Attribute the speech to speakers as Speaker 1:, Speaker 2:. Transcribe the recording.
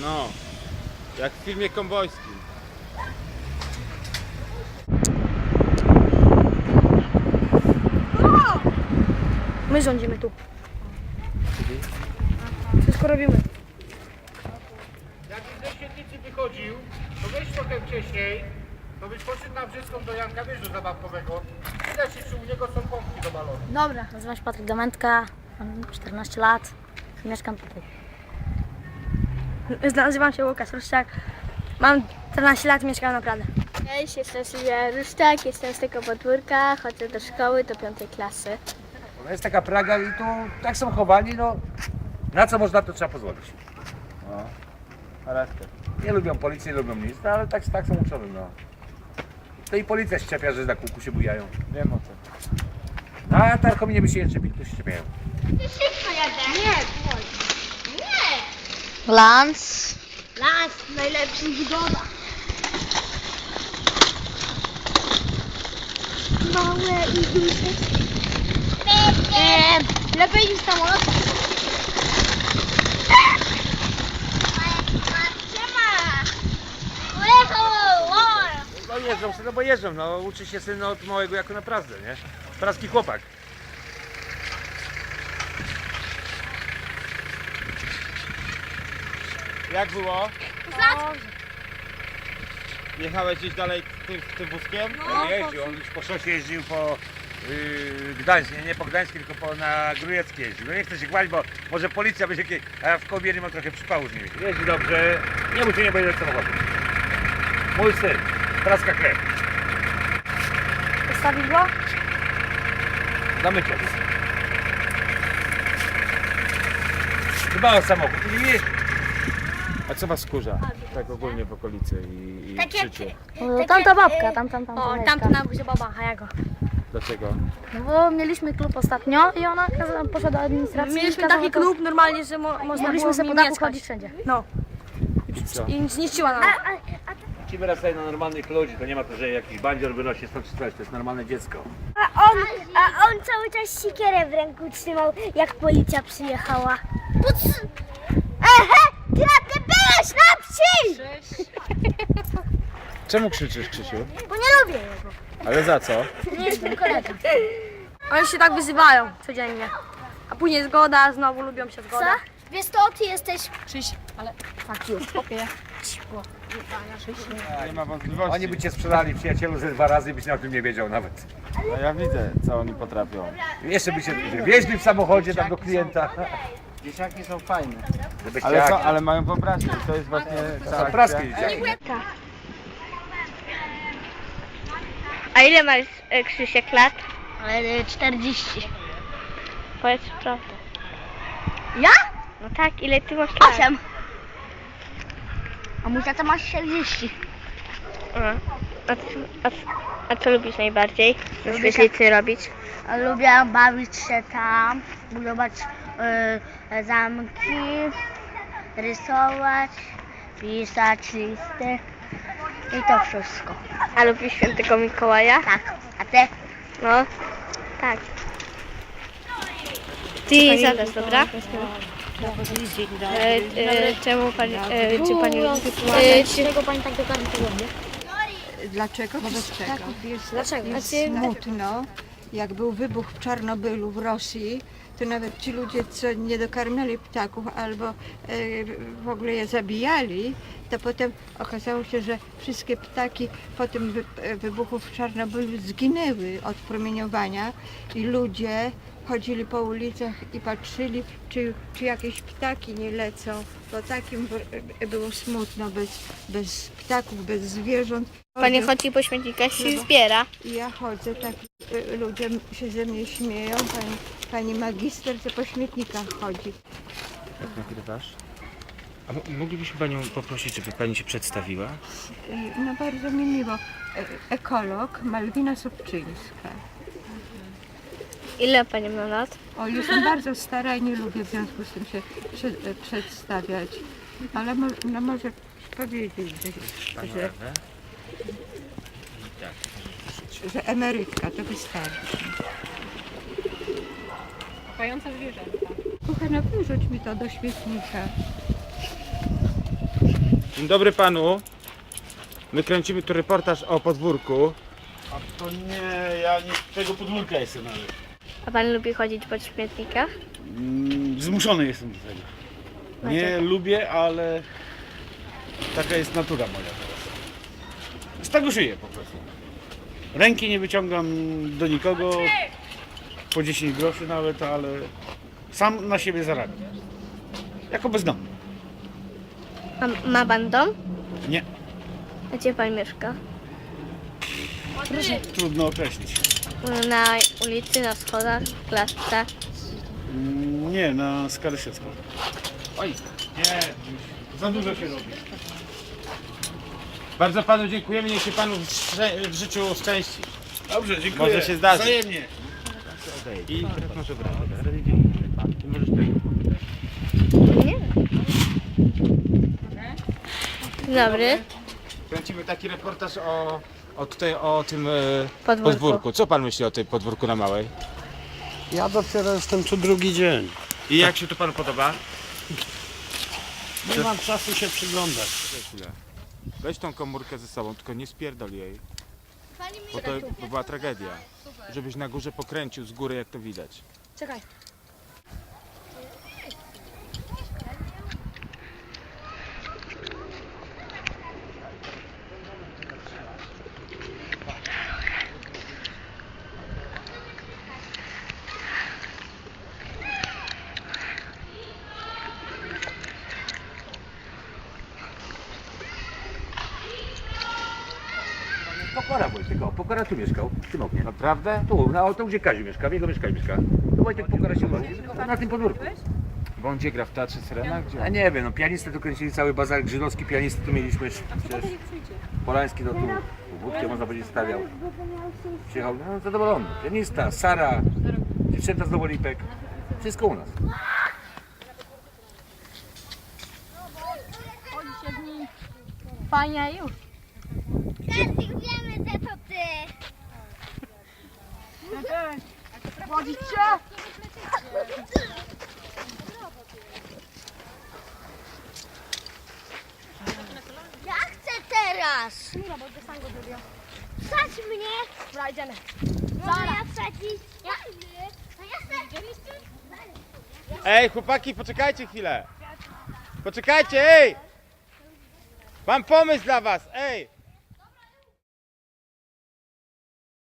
Speaker 1: No, jak w filmie kowbojskim.
Speaker 2: My rządzimy tu. Wszystko robimy.
Speaker 3: Jak ze świetlicy wychodził, to weź trochę wcześniej, to byś poszedł na Brzyską do Janka Wieżu zabawkowego. Widać, czy u niego są pompki do balonu.
Speaker 2: Dobra. Nazywam się Patryk Domentka, mam 14 lat i mieszkam tutaj. Nazywam się Łukasz Ruszczak, mam 14 lat i mieszkam na Pradze.
Speaker 4: Cześć, jestem Sylwia Ruszczak, jestem z tego podwórka, chodzę do szkoły do 5. klasy.
Speaker 3: No jest taka Praga i tu tak są chowani, no na co można, to trzeba pozwolić.
Speaker 1: No, charakter.
Speaker 3: Nie lubią policji, nie lubią nic, no, ale tak są uczone, no. To i policja się czepia, że na kółku się bujają.
Speaker 1: Wiem o tym.
Speaker 3: No, a tarkominie by się nie czepili, to się czepiają.
Speaker 4: Lans. Lans, najlepszy wygoda. Małe i duże. Lepiej niż samolot.
Speaker 3: No jeżdżą, no bo jeżdżą, no uczy się syn od małego jako naprawdę, nie? Praski chłopak.
Speaker 1: Jak było? Jechałeś gdzieś dalej tym wózkiem?
Speaker 3: On jeździł, on już po szosie jeździł po Gdańsk, nie po Gdańsku, tylko na Grujeckie jeździł. No nie chcę się chwalić, bo może policja będzie jakieś, a ja w Kołbiernie mam trochę przypału z nimi. Jeździ dobrze, nie musi nie będzie samochodu. Mój syn, praska krew.
Speaker 2: Postawić go?
Speaker 3: Na mycie. Dba o samochód, nie wiesz?
Speaker 1: A co was wkurza? Tak ogólnie w okolicy i w życiu?
Speaker 2: Tamta babka, tam.
Speaker 4: O,
Speaker 2: mieszka.
Speaker 4: tamta na buzie baba, a ja go.
Speaker 1: Dlaczego?
Speaker 2: No bo mieliśmy klub ostatnio i ona poszła do administracji.
Speaker 4: Mieliśmy
Speaker 2: kazała
Speaker 4: taki
Speaker 2: to-
Speaker 4: klub normalnie, że można
Speaker 2: Mogliśmy
Speaker 4: było
Speaker 2: sobie
Speaker 4: w
Speaker 2: po
Speaker 4: nim
Speaker 2: dachu
Speaker 4: mieszkać.
Speaker 2: chodzić wszędzie.
Speaker 4: No,
Speaker 1: I co?
Speaker 4: i zniszczyła nam.
Speaker 3: Ci wyrastają na normalnych ludzi, to nie ma to, że jakiś bandzior wynosi stąd czy coś, to jest normalne dziecko.
Speaker 5: A on cały czas siekierę w ręku trzymał, jak policja przyjechała. Ehe, ty byłeś na wsi!
Speaker 1: Czemu krzyczysz, Krzysiu?
Speaker 5: Bo nie lubię jego.
Speaker 1: Ale za co?
Speaker 5: Nie jestem kolega.
Speaker 4: Oni się tak wyzywają codziennie. A później zgoda, znowu lubią się
Speaker 5: Co?
Speaker 4: zgoda.
Speaker 5: Wiesz to, ty jesteś...
Speaker 1: Nie ma wątpliwości.
Speaker 3: Oni by cię sprzedali przyjacielu ze 2 razy i byś o tym nie wiedział nawet.
Speaker 1: No ja widzę, co oni potrafią.
Speaker 3: Jeszcze by się wieźli w samochodzie tam do klienta.
Speaker 6: Dzieciaki są fajne.
Speaker 3: Żebyście
Speaker 1: Ale,
Speaker 3: jak...
Speaker 1: ale mają wyobraźnię. To jest właśnie cała
Speaker 3: praskie
Speaker 1: akcja.
Speaker 3: dzieciaki.
Speaker 4: A ile masz, Krzysiek, lat?
Speaker 5: 40.
Speaker 4: Powiedz prawdę.
Speaker 5: Ja?
Speaker 4: No tak, ile ty masz lat?
Speaker 5: 8. A mój tata ma 40.
Speaker 4: A co lubisz najbardziej na
Speaker 5: Lubię
Speaker 4: świetlicy robić?
Speaker 5: Lubię bawić się tam, budować zamki, rysować, pisać listy i to wszystko.
Speaker 4: A lubisz świętego Mikołaja?
Speaker 5: Tak, a ty?
Speaker 4: No, tak. Ty zadasz, dobra? Czemu pani, czy pani lubi
Speaker 2: Dlaczego pani tak do każdego tygodnia?
Speaker 7: Dlaczego? Wobec czego?
Speaker 2: Dlaczego?
Speaker 7: Jest smutno. Jak był wybuch w Czarnobylu w Rosji, to nawet ci ludzie, co nie dokarmiali ptaków albo w ogóle je zabijali, to potem okazało się, że wszystkie ptaki po tym wybuchu w Czarnobylu zginęły od promieniowania i ludzie chodzili po ulicach i patrzyli, czy jakieś ptaki nie lecą, bo takim było smutno, bez ptaków, bez zwierząt.
Speaker 4: Pani chodzi po śmietnikach i zbiera.
Speaker 7: I ja chodzę, tak ludzie się ze mnie śmieją, pani magister, co po śmietnikach chodzi.
Speaker 1: Jak nagrywasz? A moglibyśmy panią poprosić, żeby pani się przedstawiła?
Speaker 7: No bardzo mi miło. Ekolog Malwina Sobczyńska.
Speaker 4: Ile pani ma lat?
Speaker 7: O, jestem bardzo stara i nie lubię w związku z tym się przedstawiać, ale no może powiedzieć, że emerytka to wystarczy.
Speaker 4: Pająca zwierzęta.
Speaker 7: Kochana, wyrzuć mi to do śmietnika.
Speaker 1: Dzień dobry panu. My kręcimy tu reportaż o podwórku.
Speaker 6: A to nie, ja nie z tego podwórka jestem nawet.
Speaker 4: A pan lubi chodzić po śmietnikach?
Speaker 6: Zmuszony jestem do tego. Nie lubię, ale taka jest natura moja teraz. Z tego żyję po prostu. Ręki nie wyciągam do nikogo, po 10 groszy nawet, ale sam na siebie zarabiam. Jako bezdomny.
Speaker 4: A ma pan dom?
Speaker 6: Nie,
Speaker 4: A gdzie pan mieszka?
Speaker 6: trudno określić.
Speaker 4: Na ulicy, na schodach, w klatce?
Speaker 6: Nie, na skalę siecką.
Speaker 1: Oj,
Speaker 6: Nie, za dużo się robi.
Speaker 1: bardzo panu dziękujemy, niech się panu w życiu szczęści.
Speaker 6: Dobrze, dziękuję.
Speaker 1: Może się zdarzy.
Speaker 6: Wzajemnie.
Speaker 1: I teraz może brać. Ty możesz tego.
Speaker 4: Nie. Dzień dobry.
Speaker 1: Kręcimy taki reportaż o tym
Speaker 4: Podwórku.
Speaker 1: podwórku. Co pan myśli o tym podwórku na Małej?
Speaker 8: Ja dopiero jestem tu drugi dzień.
Speaker 1: I jak się to panu podoba?
Speaker 8: Nie mam czasu się przyglądać.
Speaker 1: Chwilę. Weź tą komórkę ze sobą, tylko nie spierdol jej. Bo to by była tragedia. Żebyś na górze pokręcił z góry, jak to widać.
Speaker 2: Czekaj.
Speaker 3: Pokora Wojtek, o, Pokora tu mieszkał, w tym oknie.
Speaker 1: Naprawdę?
Speaker 3: Tu, na to gdzie Kaziu mieszka, w jego mieszkaniu mieszka. Tu Wojtek Pokora się urodził, na tym podwórku.
Speaker 1: Bo on gdzie gra? W Teatrze Syrena? Gdzie?
Speaker 3: Ja nie wiem, no pianistę tu kręcili, cały bazar żydowski pianisty tu mieliśmy, przecież Polański tu wódkę można powiedzieć stawiał. Przyjechał, no zadowolony, pianista, Sara, dziewczęta z Nowolipek, wszystko u nas.
Speaker 4: Fajnie już.
Speaker 5: Wiemy, że to ty. Ja chcę teraz. Wsadź mnie. Dobra, idziemy. No ja wsadzić. No ja chcę.
Speaker 1: Ej, chłopaki, poczekajcie chwilę! Poczekajcie, ej! Mam pomysł dla was, ej!